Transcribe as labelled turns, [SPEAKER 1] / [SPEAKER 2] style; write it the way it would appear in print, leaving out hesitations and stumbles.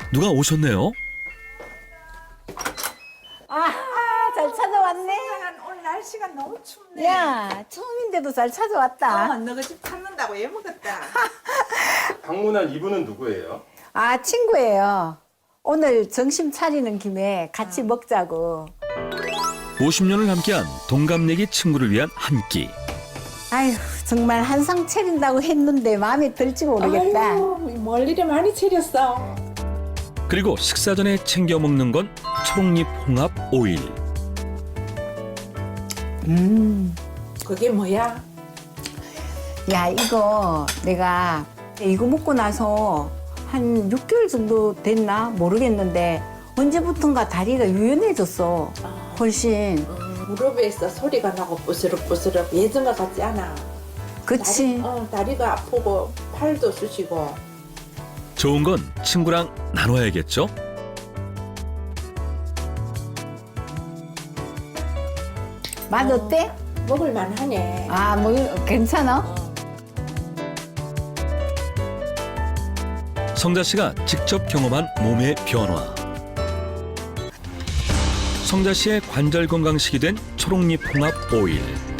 [SPEAKER 1] 누가 오셨네요.
[SPEAKER 2] 잘 찾아왔네.
[SPEAKER 3] 오늘 날씨가 너무 춥네.
[SPEAKER 2] 야, 처음인데도 잘 찾아왔다.
[SPEAKER 3] 너가 집 찾는다고 애 먹었다.
[SPEAKER 4] 방문한 이분은 누구예요?
[SPEAKER 2] 아, 친구예요. 오늘 점심 차리는 김에 같이 먹자고.
[SPEAKER 1] 50년을 함께한 동갑내기 친구를 위한 한 끼.
[SPEAKER 2] 아휴, 정말 한상 차린다고 했는데 마음에 들지 모르겠다.
[SPEAKER 3] 아유, 뭘 이리 많이 차렸어.
[SPEAKER 1] 그리고 식사 전에 챙겨 먹는 건 초록잎 홍합 오일.
[SPEAKER 3] 그게 뭐야?
[SPEAKER 2] 야, 이거 내가 이거 먹고 나서 한 6개월 정도 됐나 모르겠는데 언제부턴가 다리가 유연해졌어. 훨씬.
[SPEAKER 3] 무릎에서 소리가 나고 부스럭부스럭 예전과 같지 않아.
[SPEAKER 2] 그치?
[SPEAKER 3] 다리가 아프고 팔도 쑤시고.
[SPEAKER 1] 좋은 건 친구랑 나눠야겠죠?
[SPEAKER 2] 맛 어때?
[SPEAKER 3] 먹을만 하네.
[SPEAKER 2] 아, 뭐 괜찮아?
[SPEAKER 1] 성자 씨가 직접 경험한 몸의 변화. 성자 씨의 관절 건강식이 된 초록잎 홍합 오일.